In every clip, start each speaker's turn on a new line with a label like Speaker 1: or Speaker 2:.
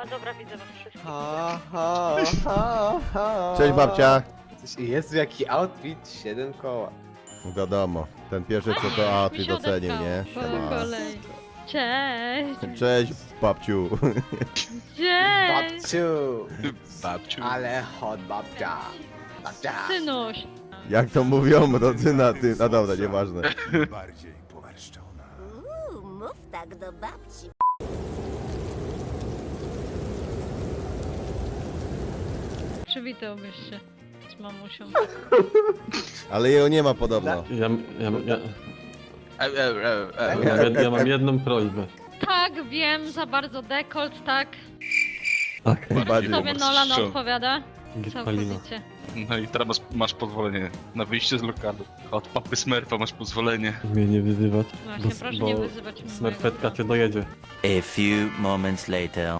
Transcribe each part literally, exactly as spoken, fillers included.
Speaker 1: A dobra, widzę was wszystkich.
Speaker 2: Ha, ha, ha, ha.
Speaker 3: Cześć babcia.
Speaker 2: Jezu, jaki outfit, siedem koła.
Speaker 3: Wiadomo, ten pierwszy co to outfit ocenił, nie?
Speaker 1: Po
Speaker 3: Siema.
Speaker 1: kolei. Cześć!
Speaker 3: Cześć babciu.
Speaker 1: Cześć!
Speaker 2: Babciu,
Speaker 4: Babciu.
Speaker 2: ale hot babcia. Babcia.
Speaker 1: Synuś!
Speaker 3: Jak to mówią rodzyna, ty... No dobra, nieważne.
Speaker 5: Bardziej pomarszczona.
Speaker 6: Uuu, mów tak do babci.
Speaker 1: Przywitałbyś się z mamusią.
Speaker 3: Ale jego nie ma podobno.
Speaker 7: Ja, ja, ja,
Speaker 4: E, e, e, e.
Speaker 7: ja, ja, ja mam jedną prośbę.
Speaker 1: Tak, wiem, za bardzo dekolt, tak.
Speaker 7: Tak,
Speaker 3: Bardziej.
Speaker 1: Tobie Nolan
Speaker 4: Szczur.
Speaker 1: odpowiada?
Speaker 7: Gitpalina.
Speaker 1: Całkowicie.
Speaker 4: No i teraz masz, masz pozwolenie na wyjście z lokalu. Od papy Smurfa masz pozwolenie.
Speaker 7: Mnie nie wyzywać.
Speaker 1: Właśnie,
Speaker 7: bo-
Speaker 1: proszę
Speaker 7: bo
Speaker 1: nie wyzywać mojego
Speaker 7: Smerfetka
Speaker 1: brata.
Speaker 7: cię dojedzie.
Speaker 8: A few moments later.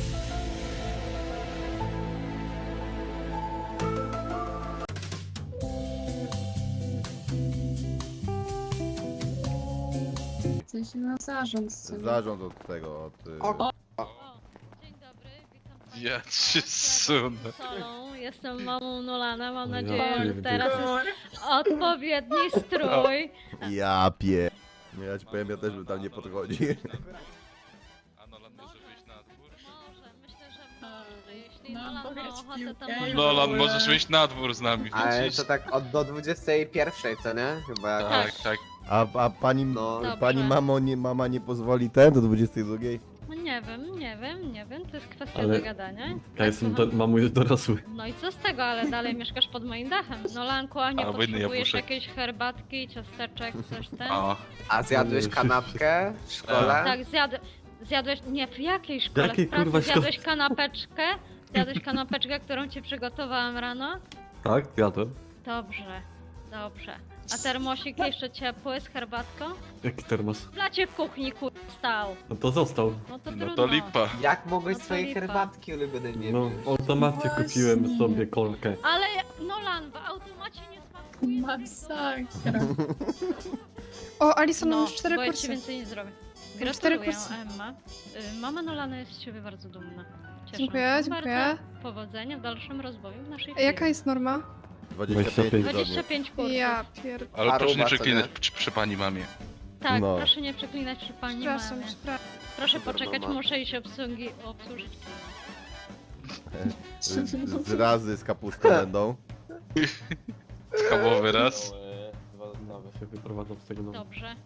Speaker 9: W sensie na zarząd sceny.
Speaker 3: Zarząd od tego, od... y,
Speaker 2: O.
Speaker 1: O, dzień dobry, witam państwa.
Speaker 4: Ja cię sunę.
Speaker 1: Solą. Jestem mamą Nolana, mam
Speaker 7: O ja
Speaker 1: nadzieję, że
Speaker 7: pierdzielę.
Speaker 1: teraz jest odpowiedni strój.
Speaker 3: Ja pie... No ja ci powiem, ja też bym tam nie podchodził.
Speaker 4: A Nolan może wyjść na dwór?
Speaker 1: Może, myślę, że może. Jeśli
Speaker 9: No,
Speaker 1: Nolan ma
Speaker 9: powiedz
Speaker 1: ochotę, to
Speaker 9: piłkę.
Speaker 1: może.
Speaker 4: Nolan, możesz wyjść na dwór z nami.
Speaker 2: Ale
Speaker 4: widzisz?
Speaker 2: to tak od do dwudziestej pierwszej, co nie? Chyba jak...
Speaker 4: Tak, tak.
Speaker 3: A, a pani...
Speaker 2: No.
Speaker 3: Pani
Speaker 1: Dobrze.
Speaker 3: mamo, nie, mama nie pozwoli ten do dwudziestej drugiej?
Speaker 1: No nie wiem, nie wiem, nie wiem, to jest kwestia
Speaker 7: Ale-
Speaker 1: dogadania.
Speaker 7: Ja jestem, do,
Speaker 1: Słucham?
Speaker 7: mam już dorosły.
Speaker 1: No i co z tego, ale dalej mieszkasz pod moim dachem. Nolanku, a nie
Speaker 4: Albo inny
Speaker 1: potrzebujesz
Speaker 4: jabłuszek.
Speaker 1: jakiejś herbatki, ciasteczek, coś ten?
Speaker 4: O,
Speaker 2: A zjadłeś kanapkę w szkole?
Speaker 1: Tak, zjadł, zjadłeś, nie, w jakiej szkole?
Speaker 7: Jakiej,
Speaker 1: w pracy
Speaker 7: kurwa, szkole?
Speaker 1: zjadłeś kanapeczkę? Zjadłeś kanapeczkę, którą ci przygotowałam rano?
Speaker 7: Tak, zjadłem.
Speaker 1: Dobrze, dobrze. A termosik jeszcze ciepły z herbatką?
Speaker 7: Jaki termos?
Speaker 1: W blacie w kuchni, kur... stał.
Speaker 7: No to został.
Speaker 1: No to
Speaker 4: no
Speaker 1: trudno.
Speaker 4: to lipa.
Speaker 2: Jak mogłeś
Speaker 1: No to
Speaker 2: swojej
Speaker 1: lipa.
Speaker 2: herbatki ulubionej nie
Speaker 7: No,
Speaker 2: wziąć?
Speaker 7: w automacie
Speaker 9: Właśnie.
Speaker 7: kupiłem sobie kolkę.
Speaker 1: Ale Nolan, w automacie nie smakuje.
Speaker 9: Masakra.
Speaker 10: O, Alison,
Speaker 1: No,
Speaker 10: no, już cztery
Speaker 1: bo ja ci
Speaker 10: kursy.
Speaker 1: więcej nie zrobię.
Speaker 10: Już cztery
Speaker 1: Gratuluję,
Speaker 10: kursy.
Speaker 1: Emma. Y, Mama Nolana jest z ciebie bardzo dumna. Cieszę
Speaker 10: Dziękuję,
Speaker 1: się
Speaker 10: dziękuję.
Speaker 1: bardzo. Powodzenia w dalszym rozwoju naszej
Speaker 10: A
Speaker 1: firmy.
Speaker 10: Jaka jest norma?
Speaker 3: dwadzieścia pięć
Speaker 7: dwadzieścia
Speaker 1: dwadzieścia
Speaker 3: tygodni.
Speaker 1: pięć kursów.
Speaker 10: Ja pier...
Speaker 4: Ale
Speaker 2: A
Speaker 4: proszę nie
Speaker 2: ruba, co
Speaker 4: przeklinać
Speaker 2: nie?
Speaker 4: przy, przy pani mamie.
Speaker 1: Tak,
Speaker 3: No.
Speaker 1: proszę nie przeklinać przy pani
Speaker 10: Przepraszam,
Speaker 1: mamie.
Speaker 10: przepraszam.
Speaker 1: Proszę
Speaker 2: Super
Speaker 1: poczekać,
Speaker 2: mama.
Speaker 1: muszę iść obsługi, obsłużyć.
Speaker 3: Z, z razy z kapustą będą.
Speaker 4: Schabowy raz.
Speaker 7: Dwa się wyprowadzam z tego domu.
Speaker 1: Dobrze.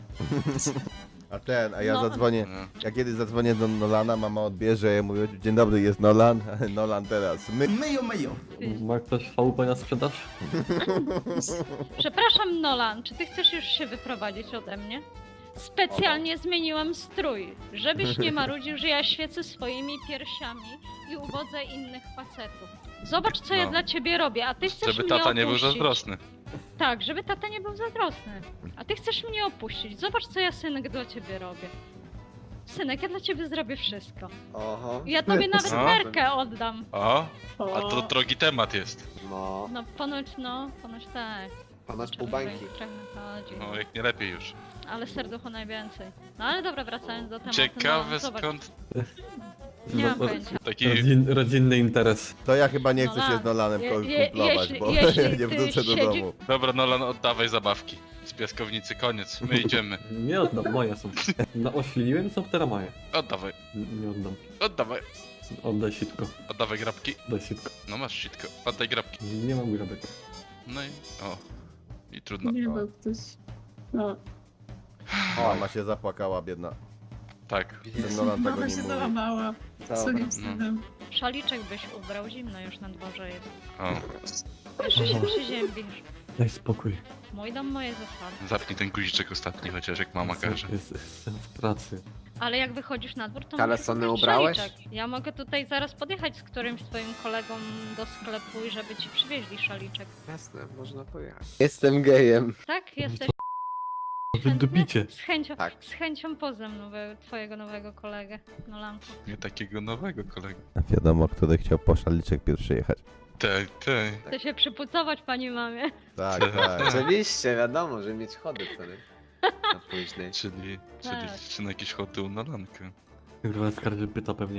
Speaker 3: A ten, a ja
Speaker 1: No.
Speaker 3: zadzwonię.
Speaker 4: No.
Speaker 3: Ja kiedy zadzwonię do Nolana, mama odbierze, ja mówię, dzień dobry, jest Nolan. Nolan teraz. My...
Speaker 7: Ma ktoś V P na sprzedaż?
Speaker 1: Przepraszam, Nolan, czy ty chcesz już się wyprowadzić ode mnie? Specjalnie zmieniłam strój, żebyś nie marudził, że ja świecę swoimi piersiami i uwodzę innych facetów. Zobacz, co ja
Speaker 4: No.
Speaker 1: dla ciebie robię, a ty chcesz
Speaker 4: Żeby
Speaker 1: mnie
Speaker 4: tata nie był
Speaker 1: opuścić.
Speaker 4: zazdrosny.
Speaker 1: Tak, żeby tata nie był zazdrosny. A ty chcesz mnie opuścić. Zobacz, co ja, synek, dla ciebie robię. Synek, ja dla ciebie zrobię wszystko.
Speaker 2: Oho.
Speaker 1: Ja tobie nawet
Speaker 4: No.
Speaker 1: nerkę oddam.
Speaker 4: O, a to drogi temat jest.
Speaker 2: No,
Speaker 1: No, ponoć, no, ponoć tak.
Speaker 2: ponoć pół bańki.
Speaker 1: Trochę chodzi.
Speaker 4: No, jak nie lepiej już.
Speaker 1: Ale serducho najwięcej. No ale dobra, wracając do tematu.
Speaker 4: Ciekawe
Speaker 1: no, zobacz,
Speaker 4: skąd
Speaker 1: Nie mam
Speaker 7: No,
Speaker 1: pojęcia.
Speaker 4: taki...
Speaker 7: rodzin, rodzinny interes.
Speaker 3: To ja chyba nie chcę
Speaker 1: Nolan,
Speaker 3: się z Nolanem
Speaker 1: je-
Speaker 3: ko-
Speaker 1: je-
Speaker 3: kumplować,
Speaker 1: jeśli-
Speaker 3: bo
Speaker 1: jeśli
Speaker 3: nie
Speaker 1: ty
Speaker 3: wrócę do
Speaker 1: siedzi-
Speaker 3: domu.
Speaker 4: Dobra, Nolan, oddawaj zabawki. Z piaskownicy, koniec. My idziemy.
Speaker 7: Nie oddam, moje są. Naośliniłem, są teraz moje.
Speaker 4: Oddawaj,
Speaker 7: N- Nie oddam.
Speaker 4: oddawaj.
Speaker 7: Oddaj sitko.
Speaker 4: Oddawaj grabki.
Speaker 7: Oddaj sitko.
Speaker 4: No masz sitko. Oddaj grabki.
Speaker 7: Nie mam grabek.
Speaker 4: No i... O. I trudno.
Speaker 9: Nie był ktoś. No.
Speaker 3: Mama się zapłakała, biedna.
Speaker 4: Tak.
Speaker 3: Ten Nolan tego
Speaker 9: Mama
Speaker 3: nie
Speaker 9: się
Speaker 3: mówi.
Speaker 9: załamała. Co
Speaker 2: Dobra.
Speaker 9: nie wstydem.
Speaker 1: Szaliczek byś ubrał, zimno już na dworze jest.
Speaker 4: O.
Speaker 1: Jeszcze się przyziębisz.
Speaker 7: Daj spokój.
Speaker 1: Mój dom, moje zasady.
Speaker 4: Zapnij ten guziczek ostatni, chociaż jak mama każe.
Speaker 7: Jest, jestem w pracy.
Speaker 1: Ale jak wychodzisz na dwór, to
Speaker 2: Kalesony
Speaker 1: musisz ubrać
Speaker 2: ubrałeś?
Speaker 1: szaliczek. Ja mogę tutaj zaraz podjechać z którymś twoim kolegą do sklepu i żeby ci przywieźli szaliczek.
Speaker 2: Jasne, można pojechać. Jestem gejem.
Speaker 1: Tak? Jesteś
Speaker 7: Wydobicie.
Speaker 1: z chęcią,
Speaker 2: Tak.
Speaker 1: z chęcią poznam nowe, twojego nowego kolegę, Nolanku.
Speaker 4: Nie takiego nowego kolegi.
Speaker 3: Wiadomo, który chciał po szaliczek pierwszy jechać.
Speaker 4: Tak, tak.
Speaker 1: Chcę się przypucować pani mamie.
Speaker 3: Tak, tak.
Speaker 2: Oczywiście, wiadomo, że mieć chody, co nie? Na później.
Speaker 4: Czyli, czyli
Speaker 1: Tak.
Speaker 4: czy na jakieś choty u Nolanka.
Speaker 7: Kurwa, skarży pyta pewnie.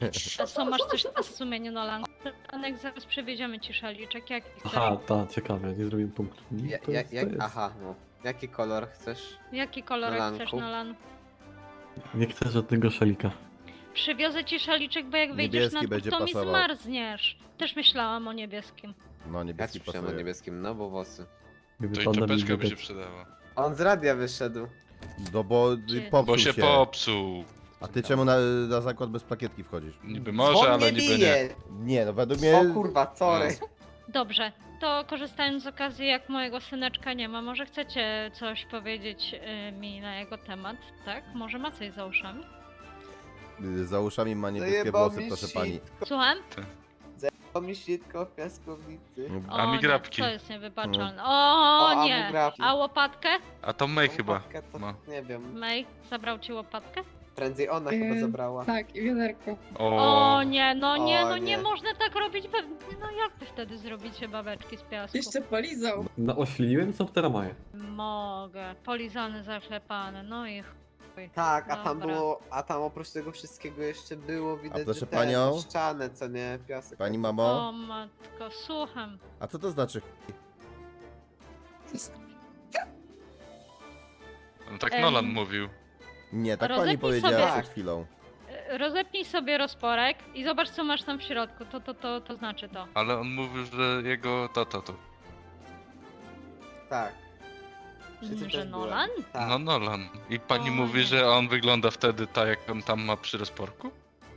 Speaker 1: A co, masz coś na sumieniu, Nolan? Anek, zaraz przewieziemy ci szaliczek, jaki chcesz?
Speaker 7: Aha, ta, ciekawe, nie zrobiłem punktu.
Speaker 2: Ja,
Speaker 7: To
Speaker 2: ja,
Speaker 7: jest,
Speaker 2: jak,
Speaker 7: to jest.
Speaker 2: aha, no. Jaki kolor chcesz?
Speaker 1: Jaki kolorek
Speaker 2: Nolanku?
Speaker 1: chcesz, Nolan?
Speaker 7: Nie chcę żadnego szalika.
Speaker 1: Przywiozę ci szaliczek, bo jak wyjdziesz
Speaker 3: Niebieski
Speaker 1: na dwór,
Speaker 3: będzie
Speaker 1: to mi
Speaker 3: pasował.
Speaker 1: zmarzniesz. Też myślałam o niebieskim.
Speaker 3: No
Speaker 2: Ja
Speaker 3: niebieski
Speaker 2: ci przyjmę
Speaker 3: pasuje.
Speaker 2: niebieskim, no bo włosy.
Speaker 7: Gdyby
Speaker 4: To i
Speaker 7: pan na mnie
Speaker 4: czapeczka by się
Speaker 7: widać.
Speaker 4: przydała.
Speaker 2: On z radia wyszedł.
Speaker 3: No bo
Speaker 1: Gdzie?
Speaker 3: popsuł
Speaker 4: Bo się
Speaker 3: się.
Speaker 4: popsuł.
Speaker 3: A ty czemu na, na zakład bez plakietki wchodzisz?
Speaker 4: Niby może,
Speaker 2: Dzwon
Speaker 4: ale
Speaker 2: mnie
Speaker 4: niby nie.
Speaker 2: bije.
Speaker 3: Nie, no według mnie...
Speaker 2: O kurwa, sorry.
Speaker 1: Dobrze, to korzystając z okazji, jak mojego syneczka nie ma, może chcecie coś powiedzieć y, mi na jego temat, tak? Może ma coś za uszami?
Speaker 3: Za uszami ma niebieskie
Speaker 2: Zajebał
Speaker 3: włosy,
Speaker 2: mi
Speaker 3: proszę
Speaker 2: sitko.
Speaker 3: pani.
Speaker 1: Słucham?
Speaker 2: To mi sitko w piaskownicy.
Speaker 4: A mi
Speaker 1: nie,
Speaker 4: grabki.
Speaker 1: to jest niewybaczalne. O,
Speaker 2: O, a mu
Speaker 1: nie!
Speaker 2: grabki.
Speaker 1: A łopatkę?
Speaker 4: A to May chyba.
Speaker 2: Łopatkę to
Speaker 4: ma.
Speaker 2: Nie wiem.
Speaker 1: May, zabrał ci łopatkę?
Speaker 2: Prędzej ona
Speaker 9: Yy,
Speaker 2: chyba zabrała.
Speaker 9: Tak, i wiaderko.
Speaker 4: O,
Speaker 1: O nie, no nie,
Speaker 2: O,
Speaker 1: no nie,
Speaker 2: nie.
Speaker 1: można tak robić. Be... No jak wy wtedy zrobicie babeczki z piasku?
Speaker 9: Jeszcze polizał.
Speaker 7: No ośliniłem, co teraz maję?
Speaker 1: Mogę. Polizany, zaklepany, no i chuj.
Speaker 2: Tak, a tam
Speaker 1: Dobra.
Speaker 2: było, a tam oprócz tego wszystkiego jeszcze było widać,
Speaker 3: proszę
Speaker 2: że ten,
Speaker 3: panią?
Speaker 2: ścianę, co nie, piasek.
Speaker 3: Pani mamo?
Speaker 1: O matko, słucham.
Speaker 3: A co to znaczy?
Speaker 4: no tak
Speaker 1: Em.
Speaker 4: Nolan mówił.
Speaker 3: Nie, tak pani
Speaker 1: Rozepnij
Speaker 3: powiedziała
Speaker 2: sobie-
Speaker 3: przed chwilą.
Speaker 1: E, Rozepnij sobie rozporek i zobacz, co masz tam w środku. To, to, to, to znaczy to.
Speaker 4: Ale on mówił, że jego to, to, to.
Speaker 2: Tak. Wszyscy
Speaker 1: Że
Speaker 2: też byłem.
Speaker 1: Nolan?
Speaker 2: Tak.
Speaker 4: No Nolan. I pani
Speaker 1: O,
Speaker 4: mówi,
Speaker 1: nie.
Speaker 4: że on wygląda wtedy tak, jak on tam ma przy rozporku?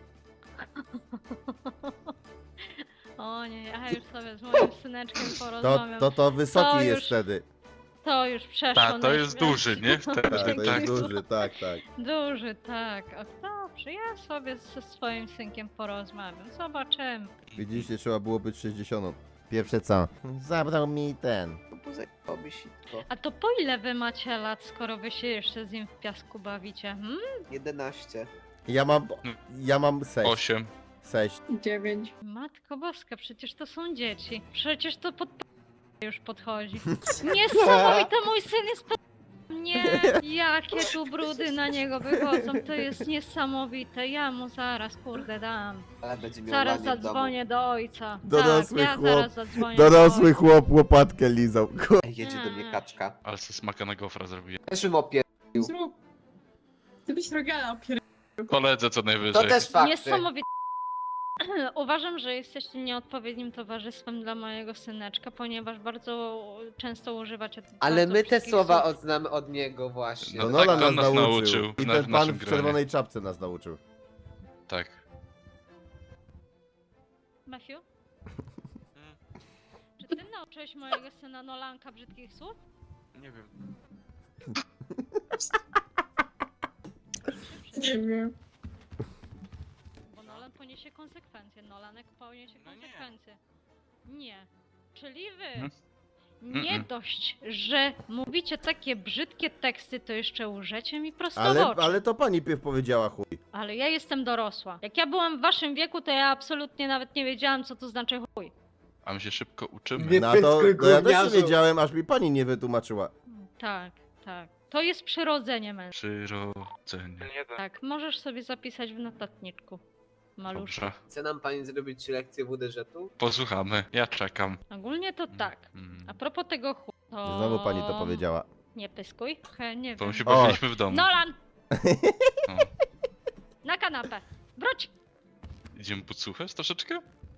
Speaker 1: O nie, ja już sobie z moim syneczkiem
Speaker 3: To,
Speaker 1: porozmawiam.
Speaker 3: to, to wysoki
Speaker 1: To
Speaker 3: jest
Speaker 1: już-
Speaker 3: wtedy.
Speaker 1: To już przeszło.
Speaker 4: Tak, to jest
Speaker 1: na
Speaker 4: duży, nie? Wtedy,
Speaker 3: Tak, to
Speaker 4: tak.
Speaker 3: jest duży, tak, tak.
Speaker 1: Duży, tak. O, dobrze, ja sobie ze swoim synkiem porozmawiam. Zobaczymy.
Speaker 3: Widzicie, trzeba było być sześćdziesiąt. Pierwsze co? Zabrał mi ten.
Speaker 2: To było zajebałby sitko.
Speaker 1: A to po ile wy macie lat, skoro wy się jeszcze z nim w piasku bawicie? Hmm?
Speaker 2: jedenaście.
Speaker 3: Ja mam... Ja mam sześć.
Speaker 4: Osiem.
Speaker 3: Sześć.
Speaker 9: Dziewięć.
Speaker 1: Matko boska, przecież to są dzieci. Przecież to pod już podchodzi. Niesamowite, mój syn jest pod... Nie, jakie tu brudy na niego wychodzą, to jest niesamowite. Ja mu zaraz, kurde, dam.
Speaker 2: Ale będzie miał
Speaker 1: Zaraz
Speaker 2: lanie w domu.
Speaker 1: zadzwonię do ojca.
Speaker 3: Dorosły
Speaker 1: tak, ja
Speaker 3: chłop.
Speaker 1: zaraz zadzwonię do
Speaker 3: Dorosły
Speaker 1: ojca.
Speaker 3: chłop łopatkę lizał. Ku-
Speaker 2: Ej, jedzie do mnie kaczka.
Speaker 4: Ale se smaka na gofra zrobiłem.
Speaker 2: Też bym opier...
Speaker 9: Zrób. Ty byś rogala opier...
Speaker 4: Koledze co
Speaker 2: To
Speaker 4: najwyżej.
Speaker 2: też fakty.
Speaker 1: Niesamowite. Uważam, że jesteście nieodpowiednim towarzystwem dla mojego syneczka, ponieważ bardzo często używacie
Speaker 2: Ale
Speaker 1: bardzo
Speaker 2: my te
Speaker 1: brzydkich
Speaker 2: słowa
Speaker 1: słów.
Speaker 2: odznamy od niego właśnie.
Speaker 3: To
Speaker 4: No
Speaker 3: Nolan
Speaker 4: tak,
Speaker 3: nas
Speaker 4: on nas
Speaker 3: nauczył.
Speaker 4: nauczył
Speaker 3: I
Speaker 4: na-
Speaker 3: ten
Speaker 4: w
Speaker 3: pan
Speaker 4: naszym
Speaker 3: w
Speaker 4: gronie.
Speaker 3: czerwonej czapce nas nauczył.
Speaker 4: Tak.
Speaker 1: Matthew? Czy ty nauczyłeś mojego syna Nolanka brzydkich słów?
Speaker 4: Nie wiem.
Speaker 9: Nie wiem.
Speaker 1: Bo Nolan poniesie konsekwencje. Nolanek poniesie
Speaker 4: No nie.
Speaker 1: konsekwencje. Nie. Czyli wy.
Speaker 4: Mhm.
Speaker 1: Nie
Speaker 4: Mm-mm.
Speaker 1: dość, że mówicie takie brzydkie teksty, to jeszcze łżecie mi prosto w
Speaker 3: Ale,
Speaker 1: oczy.
Speaker 3: ale to pani pierw powiedziała chuj.
Speaker 1: Ale ja jestem dorosła. Jak ja byłam w waszym wieku, to ja absolutnie nawet nie wiedziałam, co to znaczy chuj.
Speaker 4: A my się szybko uczymy.
Speaker 2: Nie
Speaker 3: No to,
Speaker 2: pytkuj,
Speaker 3: to ja też nie
Speaker 2: gówniarzu.
Speaker 3: wiedziałem, aż mi pani nie wytłumaczyła.
Speaker 1: Tak, tak. To jest przyrodzenie mężczyzn.
Speaker 4: Przyrodzenie.
Speaker 1: Tak, możesz sobie zapisać w notatniczku. Maluszku.
Speaker 4: Dobrze.
Speaker 2: Chce nam pani zrobić lekcję W D Ż-u?
Speaker 4: Posłuchamy. Ja czekam.
Speaker 1: Ogólnie to tak.
Speaker 4: Mm.
Speaker 1: A propos tego chuj, to...
Speaker 3: Znowu pani to powiedziała.
Speaker 1: Nie pyskuj. He, nie
Speaker 4: To
Speaker 1: wiem.
Speaker 4: my się
Speaker 3: O.
Speaker 4: bawiliśmy w domu.
Speaker 1: Nolan!
Speaker 4: O.
Speaker 1: Na kanapę. Wróć!
Speaker 4: Idziemy podsłuchać troszeczkę?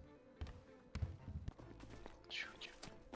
Speaker 4: Ciu, ciu.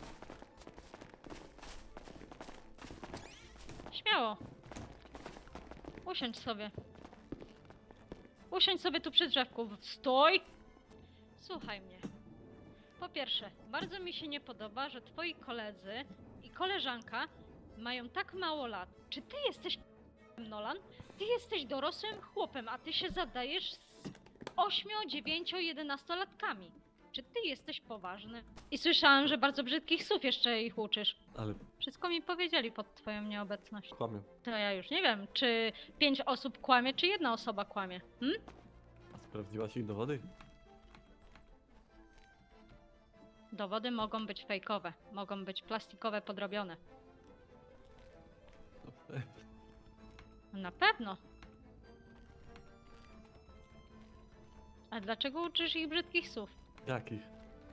Speaker 1: Śmiało. Usiądź sobie. Usiądź sobie tu przy drzewku. Stój! Słuchaj mnie. Po pierwsze, bardzo mi się nie podoba, że twoi koledzy i koleżanka mają tak mało lat. Czy ty jesteś Nolan? Ty jesteś dorosłym chłopem, a ty się zadajesz z ośmiu, dziewięciu, jedenastolatkami. Czy ty jesteś poważny? I słyszałam, że bardzo brzydkich słów jeszcze ich uczysz.
Speaker 7: Ale
Speaker 1: Wszystko mi powiedzieli pod twoją nieobecność.
Speaker 7: kłamię.
Speaker 1: To ja już nie wiem, czy pięć osób kłamie, czy jedna osoba kłamie. Hm?
Speaker 7: A sprawdziłaś ich dowody?
Speaker 1: Dowody mogą być fejkowe, mogą być plastikowe, podrobione.
Speaker 7: No, pewnie.
Speaker 1: Na pewno. A dlaczego uczysz ich brzydkich słów?
Speaker 7: Jakich?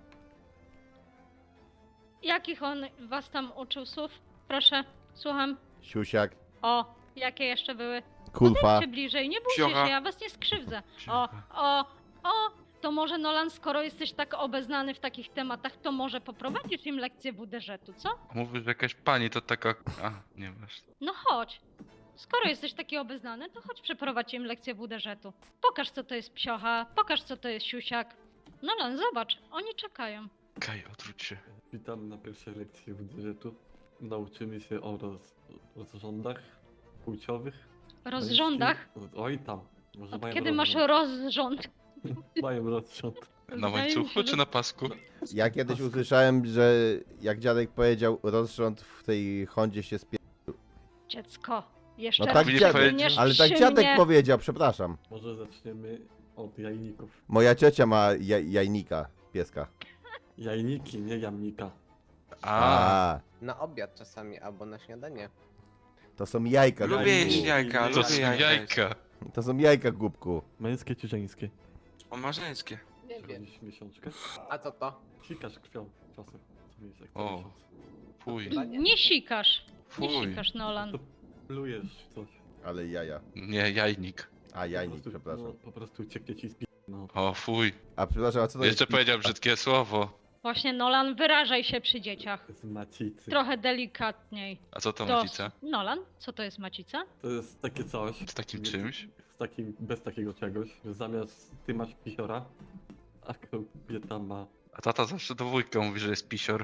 Speaker 1: Jakich on was tam uczył słów? Proszę, słucham.
Speaker 3: Siusiak,
Speaker 1: O, jakie jeszcze były?
Speaker 3: kulfa.
Speaker 1: Czy bliżej, nie bójcie się, ja was nie skrzywdzę. O, o, o, to może Nolan, skoro jesteś tak obeznany w takich tematach, to może poprowadzisz im lekcję W D Ż-u, co?
Speaker 4: Mówisz, że jakaś pani to taka... A, nie wiesz.
Speaker 1: No chodź. Skoro jesteś taki obeznany, to chodź przeprowadź im lekcję W D Ż-u. Pokaż, co to jest psiocha, pokaż, co to jest siusiak. Nolan, zobacz, oni czekają.
Speaker 4: Kaj, odwróć się.
Speaker 7: Witam na pierwszej lekcji w budżetu. Nauczymy się o roz, rozrządach płciowych.
Speaker 1: Rozrządach?
Speaker 7: Męskich. Oj tam. Może
Speaker 1: Od
Speaker 7: mają
Speaker 1: kiedy masz
Speaker 7: rozrząd.
Speaker 1: rozrząd?
Speaker 7: Mają rozrząd.
Speaker 4: Na
Speaker 1: Wydaje mi
Speaker 4: łańcuchu
Speaker 1: się,
Speaker 4: czy
Speaker 1: że-
Speaker 4: na pasku?
Speaker 3: Ja kiedyś usłyszałem, że jak dziadek powiedział, rozrząd w tej Hondzie się spie...
Speaker 1: Dziecko, jeszcze
Speaker 3: No
Speaker 1: raz
Speaker 3: tak
Speaker 4: dziadek-
Speaker 1: przypomniesz
Speaker 3: Ale tak
Speaker 1: przy
Speaker 3: dziadek
Speaker 1: mnie.
Speaker 3: powiedział, przepraszam.
Speaker 7: Może zaczniemy od jajników.
Speaker 3: Moja ciocia ma jaj, jajnika, pieska.
Speaker 7: Jajniki, nie jamnika.
Speaker 4: A,
Speaker 3: A,
Speaker 2: Na obiad czasami, albo na śniadanie.
Speaker 3: to są jajka.
Speaker 7: Lubię
Speaker 3: głupku.
Speaker 7: jeść jajka,
Speaker 4: to
Speaker 7: lubię
Speaker 4: są jajka.
Speaker 3: To są jajka, głupku.
Speaker 7: Męskie czy żeńskie?
Speaker 11: O, ma żeńskie.
Speaker 2: Nie wiem.
Speaker 7: Robisz miesiączkę?
Speaker 2: A co to?
Speaker 7: Sikasz krwią czasem. Co mi jest jak co
Speaker 4: O.
Speaker 7: miesiąc.
Speaker 4: Fuj,
Speaker 2: Chyba nie.
Speaker 1: Nie sikasz, nie
Speaker 4: fuj.
Speaker 1: sikasz, Nolan.
Speaker 7: To plujesz coś.
Speaker 3: Ale jaja.
Speaker 4: Nie, jajnik.
Speaker 3: A, jajnik,
Speaker 7: Po prostu-
Speaker 3: przepraszam.
Speaker 7: No, po prostu ucieknie ci z pi... No.
Speaker 4: O, fuj.
Speaker 3: A przepraszam, a co to
Speaker 4: Jeszcze
Speaker 3: jest?
Speaker 4: powiedział brzydkie słowo.
Speaker 1: Właśnie, Nolan, wyrażaj się przy dzieciach.
Speaker 7: Z macicy.
Speaker 1: Trochę delikatniej.
Speaker 4: A co to
Speaker 1: To-
Speaker 4: macica?
Speaker 1: Nolan, co to jest macica?
Speaker 7: To jest takie coś.
Speaker 4: Z takim
Speaker 7: nie-
Speaker 4: czymś?
Speaker 7: Z takim, bez takiego czegoś. Że zamiast ty masz pisiora, a kobieta ma...
Speaker 4: A tata zawsze do wujka mówi, że jest pisior.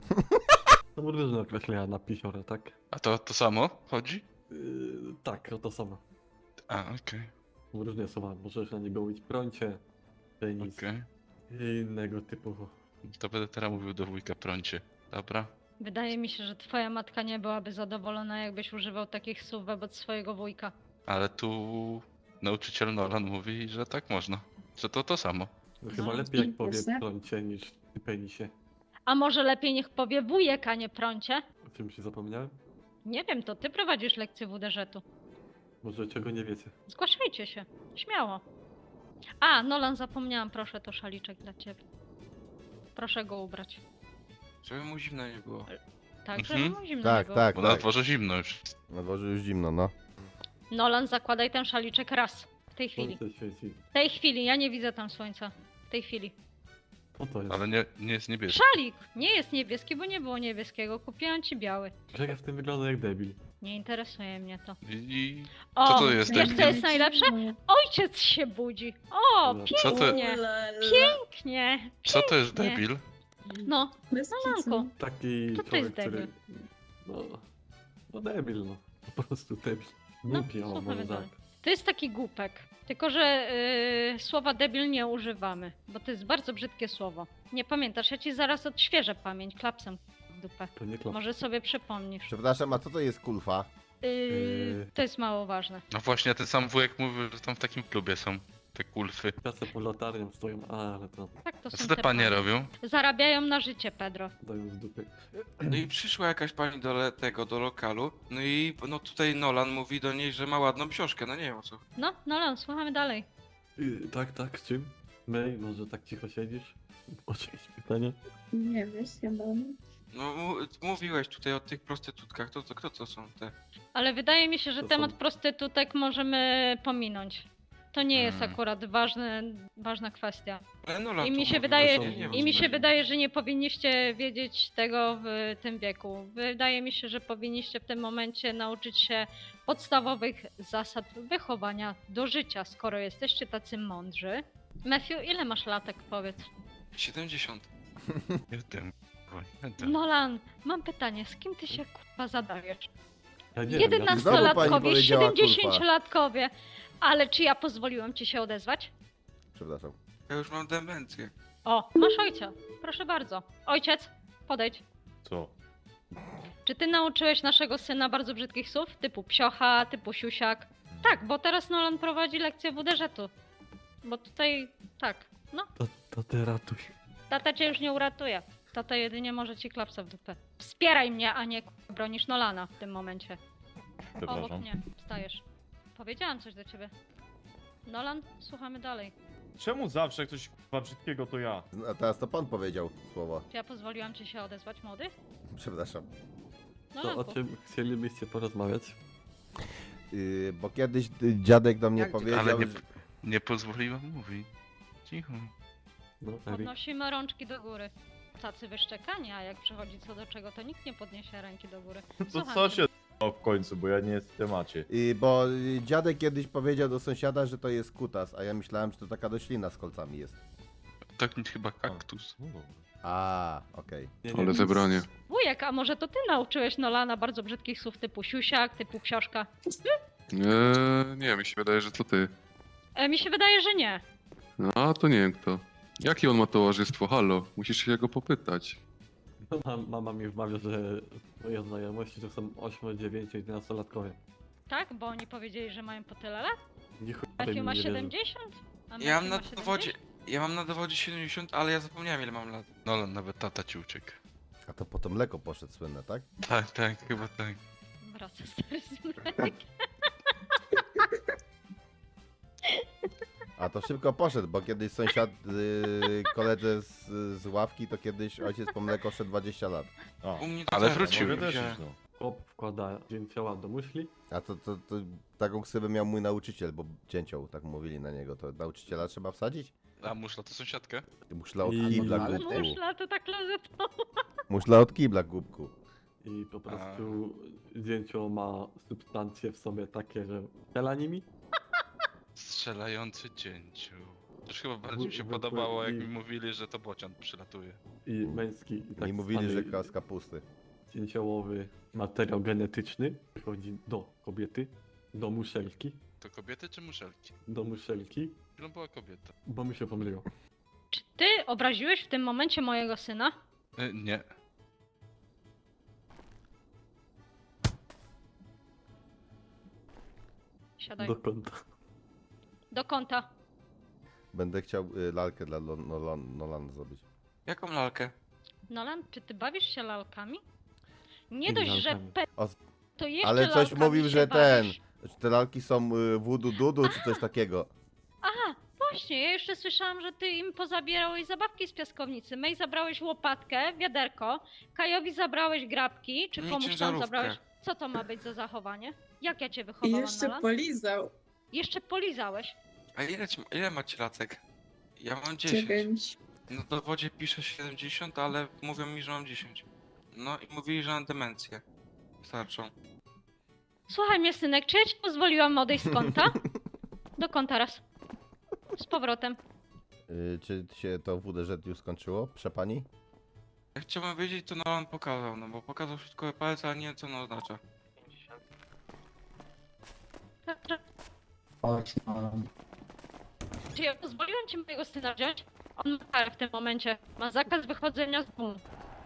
Speaker 7: Są różne określenia na pisiora, tak?
Speaker 4: A to to samo chodzi?
Speaker 7: Yy, tak, o to samo.
Speaker 4: A, okej,
Speaker 7: Są różne słowa. Możesz na niego mówić prącie, penis
Speaker 4: okej.
Speaker 7: i innego typu.
Speaker 4: To będę teraz mówił do wujka prącie. Dobra?
Speaker 1: Wydaje mi się, że twoja matka nie byłaby zadowolona, jakbyś używał takich słów wobec swojego wujka.
Speaker 4: Ale tu nauczyciel Nolan mówi, że tak można. Że to to samo.
Speaker 7: No, chyba
Speaker 1: No,
Speaker 7: lepiej jak powie
Speaker 9: jasne.
Speaker 7: prącie niż ty penisie.
Speaker 1: A może lepiej niech powie wujek, a nie prącie?
Speaker 7: O czym się zapomniałem?
Speaker 1: Nie wiem, to ty prowadzisz lekcję W D Ż-u.
Speaker 7: Może czego nie wiecie.
Speaker 1: Zgłaszajcie się, śmiało. A, Nolan, zapomniałam, proszę, to szaliczek dla ciebie. Proszę go ubrać.
Speaker 11: Żeby mu zimno nie było.
Speaker 1: Tak, żeby
Speaker 4: Mhm.
Speaker 1: mu zimno
Speaker 3: Tak,
Speaker 1: nie było.
Speaker 3: tak,
Speaker 4: Bo na
Speaker 3: tak.
Speaker 4: dworze zimno już.
Speaker 3: Na dworze już zimno, no.
Speaker 1: Nolan, zakładaj ten szaliczek raz. W tej chwili.
Speaker 7: Słońce świeci.
Speaker 1: W tej chwili, ja nie widzę tam słońca. W tej chwili.
Speaker 7: Co to jest?
Speaker 4: Ale nie, nie jest niebieski.
Speaker 1: Szalik! Nie jest niebieski, bo nie było niebieskiego. Kupiłam ci biały.
Speaker 7: Grzegorz w tym wygląda jak debil.
Speaker 1: Nie interesuje mnie to.
Speaker 4: I, i
Speaker 1: O,
Speaker 4: Co to jest
Speaker 1: wiesz
Speaker 4: debil?
Speaker 1: co jest najlepsze? Ojciec się budzi. O,
Speaker 7: No,
Speaker 4: co to-
Speaker 1: pięknie, pięknie,
Speaker 4: co to jest
Speaker 1: pięknie.
Speaker 4: debil?
Speaker 1: No,
Speaker 9: Bez
Speaker 1: Nolanku.
Speaker 7: Taki
Speaker 1: Co to
Speaker 7: człowiek,
Speaker 1: jest debil?
Speaker 7: który... No, no debil, no. Po prostu debil.
Speaker 1: No,
Speaker 7: Głupi, o,
Speaker 1: słuchamy
Speaker 7: może tak.
Speaker 1: dalej. To jest taki głupek. Tylko, że yy, słowa debil nie używamy, bo to jest bardzo brzydkie słowo. Nie pamiętasz, ja ci zaraz odświeżę pamięć klapsem w dupę.
Speaker 7: To nie klap.
Speaker 1: Może sobie przypomnisz.
Speaker 3: Przepraszam, a co to jest kulfa?
Speaker 1: Yy,
Speaker 7: Yy.
Speaker 1: to jest mało ważne.
Speaker 4: No właśnie, ten sam wujek mówił, że tam w takim klubie są te kulfy.
Speaker 7: Czasem pod latarnią stoją, a, ale to
Speaker 1: Tak to
Speaker 4: A
Speaker 1: są
Speaker 4: co te panie
Speaker 1: panie.
Speaker 4: robią?
Speaker 1: Zarabiają na życie, Pedro.
Speaker 7: dają z dupy.
Speaker 11: No i przyszła jakaś pani do le- tego, do lokalu. No i no tutaj Nolan mówi do niej, że ma ładną książkę. No nie wiem o co.
Speaker 1: No, Nolan, słuchamy dalej.
Speaker 7: Yy, tak, tak, z czym? May, może tak cicho siedzisz? Może jakieś pytanie?
Speaker 9: Nie wiesz, ja mam.
Speaker 11: No mu- mówiłeś tutaj o tych prostytutkach. To, to kto to są te?
Speaker 1: Ale wydaje mi się, że
Speaker 7: To
Speaker 1: temat
Speaker 7: są-
Speaker 1: prostytutek możemy pominąć. To nie jest
Speaker 4: Hmm.
Speaker 1: akurat ważny, ważna kwestia.
Speaker 11: Ale Nolan
Speaker 1: I
Speaker 11: to
Speaker 1: mi się
Speaker 11: mówił,
Speaker 1: wydaje,
Speaker 11: ja nie wiem, o
Speaker 1: I mi
Speaker 11: co
Speaker 1: się
Speaker 11: chodzi.
Speaker 1: wydaje, że nie powinniście wiedzieć tego w tym wieku. Wydaje mi się, że powinniście w tym momencie nauczyć się podstawowych zasad wychowania do życia, skoro jesteście tacy mądrzy. Matthew, ile masz latek, powiedz?
Speaker 11: siedemdziesiąt.
Speaker 4: Jeden. kurwa, jeden.
Speaker 1: Nolan, mam pytanie, z kim ty się kurwa zadajesz?
Speaker 7: Ja nie wiem, ja...
Speaker 3: Znowu pani
Speaker 1: jedenastolatkowie,
Speaker 3: powiedziała kurwa.
Speaker 1: siedemdziesięciolatkowie. Ale czy ja pozwoliłam ci się odezwać?
Speaker 3: Przepraszam.
Speaker 11: Ja już mam demencję.
Speaker 1: O, masz ojca. Proszę bardzo. Ojciec, podejdź.
Speaker 4: Co?
Speaker 1: Czy ty nauczyłeś naszego syna bardzo brzydkich słów? Typu psiocha, typu siusiak? Tak, bo teraz Nolan prowadzi lekcję W D Ż-u. Bo tutaj, tak, no,
Speaker 7: To, to ty ratuj.
Speaker 1: tata cię już nie uratuje. Tata jedynie może ci klapsa w dupę. Wspieraj mnie, a nie k***a, bronisz Nolana w tym momencie. Obok mnie, wstajesz. Powiedziałam coś do ciebie. Nolan, słuchamy dalej.
Speaker 12: Czemu zawsze jak coś k***a brzydkiego to ja?
Speaker 3: A teraz to pan powiedział słowo.
Speaker 1: Czy ja pozwoliłam ci się odezwać, młody?
Speaker 3: Przepraszam.
Speaker 1: No,
Speaker 7: To o
Speaker 1: Lanku.
Speaker 7: czym chcielibyście porozmawiać?
Speaker 3: Yy, bo kiedyś y, dziadek do mnie
Speaker 2: Jak-
Speaker 3: powiedział,
Speaker 4: Ale nie,
Speaker 3: że...
Speaker 4: nie pozwoliłem mówić. Cicho.
Speaker 7: No, Erik.
Speaker 1: Podnosimy rączki do góry. Tacy wyszczekani, a jak przychodzi co do czego, to nikt nie podniesie ręki do góry.
Speaker 12: To
Speaker 1: Słucham
Speaker 12: co
Speaker 1: cię.
Speaker 12: się o w końcu, bo ja nie jestem w temacie.
Speaker 3: Yy, bo y, dziadek kiedyś powiedział do sąsiada, że to jest kutas, a ja myślałem, że to taka roślina z kolcami jest.
Speaker 4: Tak chyba kaktus.
Speaker 12: No dobra.
Speaker 3: A, okej.
Speaker 7: Nie,
Speaker 11: Ale zebranie.
Speaker 1: Wujek, a może to ty nauczyłeś Nolana bardzo brzydkich słów typu siusiak, typu książka?
Speaker 11: Eee, nie, mi się wydaje, że to ty.
Speaker 1: E, mi się wydaje, że nie.
Speaker 11: No, a to nie wiem kto. Jakie on ma towarzystwo? Halo, musisz się go popytać.
Speaker 7: Mama, mama mi wmawia, że moje znajomości to są osiem, dziewięć, jedenaście latkowie.
Speaker 1: Tak? Bo oni powiedzieli, że mają po tyle lat?
Speaker 7: Nie chuj
Speaker 1: Matthew
Speaker 7: mi
Speaker 1: ma
Speaker 7: nie wierzę.
Speaker 1: siedemdziesiąt? A
Speaker 11: Ja mam
Speaker 1: Matthew
Speaker 11: na
Speaker 1: ma
Speaker 11: dowodzie,
Speaker 1: siedemdziesiąt?
Speaker 11: ja mam na dowodzie siedemdziesiąt, ale ja zapomniałem ile mam lat.
Speaker 4: No nawet tata ci uciekł.
Speaker 3: A to potem mleko poszedł słynne, tak?
Speaker 4: Tak, tak, chyba tak.
Speaker 1: Wraca stary z mlekiem.
Speaker 3: A to szybko poszedł, bo kiedyś sąsiad, yy, koledze z, z ławki, to kiedyś ojciec po mleko szedł dwadzieścia lat.
Speaker 12: A,
Speaker 11: U mnie to
Speaker 4: Ale
Speaker 11: też,
Speaker 4: wrócił.
Speaker 12: mogę też
Speaker 11: wziąłem.
Speaker 12: iść, no.
Speaker 7: Chłop wkłada dzięcioła do muszli.
Speaker 3: A to, to, to taką ksywę miał mój nauczyciel, bo cięcią, tak mówili na niego. To nauczyciela trzeba wsadzić?
Speaker 4: A muszla to sąsiadkę?
Speaker 3: Muszla od
Speaker 7: I-
Speaker 3: kibla,
Speaker 2: Ale
Speaker 3: głupku.
Speaker 1: Muszla to tak klozetą.
Speaker 3: Muszla od kibla, głupku.
Speaker 7: I po prostu dzięcioł ma substancje w sobie takie, że strzela nimi.
Speaker 4: Strzelający dzięciu. Też chyba bardziej mi się
Speaker 7: Zwykły
Speaker 4: podobało, jak
Speaker 7: i-
Speaker 4: mi mówili, że to bocian przylatuje.
Speaker 7: I męski i tak
Speaker 3: Mi mówili, że
Speaker 7: zwany
Speaker 3: z kapusty.
Speaker 7: dzięciołowy materiał genetyczny przychodzi do kobiety, do muszelki,
Speaker 4: To kobiety czy muszelki?
Speaker 7: do muszelki,
Speaker 4: Chwilą była kobieta.
Speaker 7: bo mi się pomyliło.
Speaker 1: Czy ty obraziłeś w tym momencie mojego syna?
Speaker 4: E, nie.
Speaker 1: Siadaj.
Speaker 7: Do kąta.
Speaker 1: Do kąta.
Speaker 3: Będę chciał y, lalkę dla Lo- Nolan, Nolana zrobić.
Speaker 11: Jaką lalkę?
Speaker 1: Nolan, czy ty bawisz się lalkami? Nie
Speaker 7: Jakimi
Speaker 1: dość, że
Speaker 7: lalkami?
Speaker 1: pe...
Speaker 3: O,
Speaker 1: to jeszcze
Speaker 3: Ale coś
Speaker 1: lalkami
Speaker 3: mówił,
Speaker 1: się
Speaker 3: że ten,
Speaker 1: bawisz.
Speaker 3: że te lalki są y, voodoo dudu czy coś takiego.
Speaker 1: Aha, właśnie, ja jeszcze słyszałam, że ty im pozabierałeś zabawki z piaskownicy. Mej zabrałeś łopatkę, wiaderko, Kajowi zabrałeś grabki, czy
Speaker 11: Mi
Speaker 1: komuś tam
Speaker 11: ciężarówkę.
Speaker 1: zabrałeś... Co to ma być za zachowanie? Jak ja cię
Speaker 9: I
Speaker 1: wychowałam,
Speaker 9: jeszcze
Speaker 1: Nolan?
Speaker 9: polizał.
Speaker 1: Jeszcze polizałeś.
Speaker 11: A ile, ci- ile macie latek? Ja mam dziesięć.
Speaker 9: Dziewięć.
Speaker 11: Na dowodzie piszę siedemdziesiąt, ale mówią mi, że mam dziesięć. No i mówili, że mam demencję. Starczą.
Speaker 1: Słuchaj mnie, synek, czy ja ci pozwoliłam odejść z kąta? Do kąta raz. Z powrotem.
Speaker 3: Y, czy się to W D Z już skończyło, przepani?
Speaker 11: Jak chciałbym wiedzieć, to Nolan pokazał, no bo pokazał środkowy palec, ale nie wiem co ono oznacza.
Speaker 1: Czy ja pozwoliłam ci mojego syna wziąć? On ma karę w tym momencie. Ma zakaz wychodzenia z domu.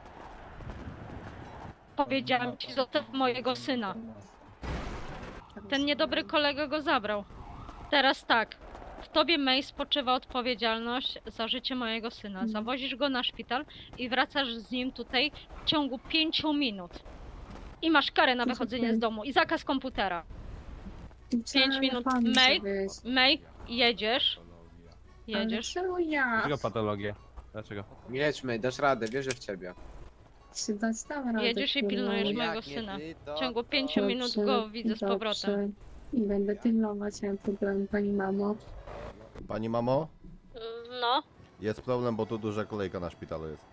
Speaker 1: Powiedziałam ci, zostaw mojego syna. Ten niedobry kolega go zabrał. Teraz tak. W tobie, May, spoczywa odpowiedzialność za życie mojego syna. Zawozisz go na szpital i wracasz z nim tutaj w ciągu pięciu minut. I masz karę na wychodzenie z domu i zakaz komputera. Pięć minut. May, May, jedziesz. Jedziesz.
Speaker 9: Czemu ja?
Speaker 12: patologię? Dlaczego?
Speaker 2: Jedźmy, dasz radę, wierzę w ciebie.
Speaker 9: Się dać tam radę,
Speaker 1: Jedziesz i
Speaker 9: kurwa.
Speaker 1: pilnujesz
Speaker 2: Jak
Speaker 1: mojego
Speaker 2: nie
Speaker 1: syna.
Speaker 2: ty,
Speaker 1: W
Speaker 2: to
Speaker 1: ciągu
Speaker 2: kto?
Speaker 1: pięciu minut go widzę z powrotem.
Speaker 9: I będę pilnować, nie mam problemu, pani mamo.
Speaker 3: Pani mamo?
Speaker 1: No,
Speaker 3: Jest problem, bo tu duża kolejka na szpitalu jest.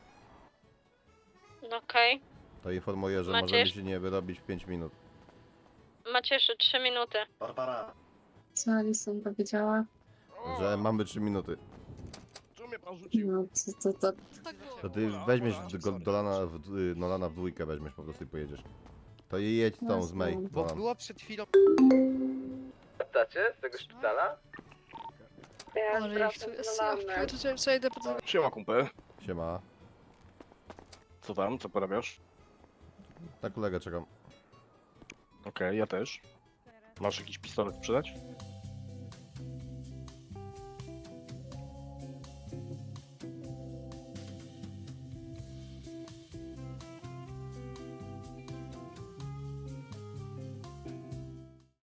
Speaker 1: okej.
Speaker 3: To informuję, że
Speaker 1: Macie
Speaker 3: możemy
Speaker 1: jeszcze-
Speaker 3: się nie wyrobić w pięć minut.
Speaker 1: Macie jeszcze trzy minuty.
Speaker 9: Co Alison powiedziała?
Speaker 3: Że mamy trzy minuty.
Speaker 9: No, to, to, to.
Speaker 3: To ty weźmiesz go do Lana w, y, Nolana w dwójkę weźmiesz po prostu i pojedziesz. To i jedź z tą z May.
Speaker 9: Bo
Speaker 3: Nolan.
Speaker 2: Było przed chwilą... Wracacie z tego szpitala?
Speaker 9: Ja wracam do Lana.
Speaker 12: Siema kumpel.
Speaker 3: Siema.
Speaker 12: Co tam? Co porabiasz?
Speaker 3: Na kolegę czekam.
Speaker 12: Okej, ja też. Masz jakiś pistolet sprzedać?